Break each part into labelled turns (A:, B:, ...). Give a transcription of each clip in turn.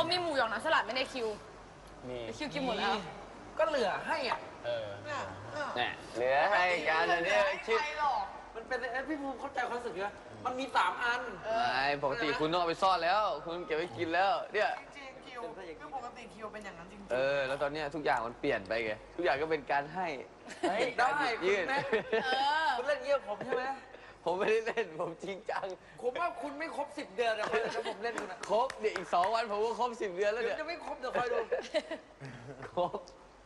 A: มีหมูหยองน้ำสลัดไม่ได้คิว
B: มี
A: คิวกินหมดแล้ว
C: ก็เหลือให้อ่ะ
B: เนี่ยเหลือให้กันอันนี้ชิป
C: มันเป็นพี่ภูมิเข้าใจความรู้สึกนะมันมี3 อัน
B: ไม่ปกติคุณต้องเอาไปซ่อนแล้ว คุณเก็บไว้กินแล้วเนี่ย
D: จริงคิวคือปกติคิวเป็นอย่างนั้นจริง
B: แล้วตอนเนี้ยทุกอย่างมันเปลี่ยนไปไงทุกอย่างก็เป็นการให้
C: เฮ้ยได้
B: ยืด
C: คุณแม่ คุณเล่นเยี่ยมผมใช่ไหม
B: ผมไม่ได้เล่นผมจริงจัง
C: ผมว่าคุณไม่ครบ10 เดือนนะถ้าผมเล่นคุณอะ
B: ครบเดี๋ยวอีก2 วันผมก็ครบ10 เดือนแล้ว
C: เดี๋ย
B: เนี่
C: วย จะไม่ครบเดี๋ยวคอยดู
B: ครบ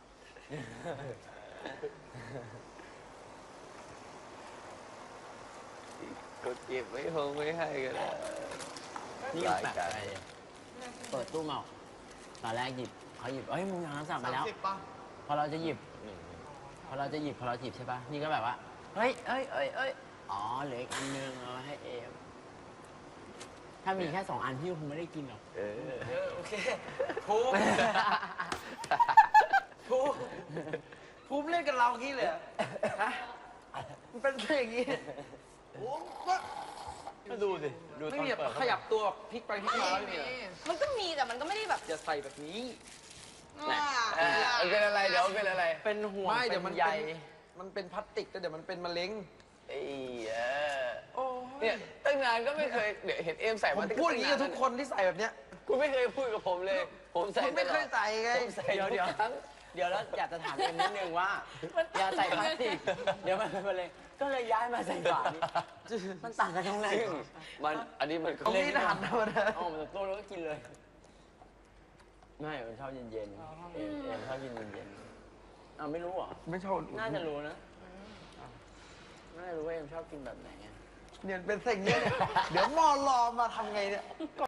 B: ก็เก็บไว้คงไม่ให้กันแล้ว
E: นี่แบบอะไรเปิดตู้มาตอนแรกหยิบเขาหยิบเอ้ยมึงยังสั่ง
D: ๆ
E: มาแล้ว
D: 30 ป่ะ
E: พอเราจะหยิบพอเราหยิบใช่ปะนี่ก็แบบว่าเฮ้ยอ๋อเหลืออีกอันนึงเอามาให้เอมถ้ามีแค่2 อันพี่คงไม่ได้กินหรอก
C: โอเคภูมิภูมิภูมิเล่นกับเรางี้เลยเหรอฮะมันเป็นอย่างงี้โอ้ก็
B: ก็ดูสิดู
C: ไม่
B: ตอน
C: มีแบบ
B: เปิด
C: ขยับตัวพลิกไปพลิกมาไม่มีเหรอ
A: มันก็มีแต่มันก็ไม่ได้แบบ
C: อย่าใส่แบบนี้
B: มันเป็นอะไรเดี๋ยวมันเป็นอะไร
E: เป็นห่วง
C: ไม่เดี๋ยว
E: เป็
C: มัน
E: ใย
C: มันเป็นพลาสติกแต่เดี๋ยวมันเป็นมะเร็ง
B: ไอ้
C: โอ้
B: เนี่ยตั้งนานก็ไม่เคยเดี๋ยวเห็นเอมใส่
C: ผม
B: ติ๊ก
C: พูดอย่างนี้กับทุกคนที่ใส่แบบเนี้ย
B: คุณไม่เคยพูดกับผมเลย ผมใส่
C: คุณไม่เคยใส่ไง
B: ผมใส่
E: เดี๋ยว
B: ทุกครั้ง
E: แล้วอยากจะถามเอ็มนิดนึงว่าอย่าใส่พลาสติกเดี๋ยวมันเป็นมะเร็งก็เลยย้ายมาใส่ฝานี่มันต่างกันตรงไหน
B: ซึ่งมันอันนี้มันก็
C: ผมนี่หันมาเลย
E: อ๋อมันโตแล้วก็กินเลยไม่มันชอบเย็นๆเอ็มชอบกินเย็นๆอ้าวไม่รู้เหรอ
C: ไม่ชอบ
E: น่าจะรู้นะน่าจะรู้ว่าเอ็มชอบกินแบบไหนอะ
C: เนี่ยเป็นสิ่งนี้เนี่ยเดี๋ยวมอรอมาทำไงเนี่ย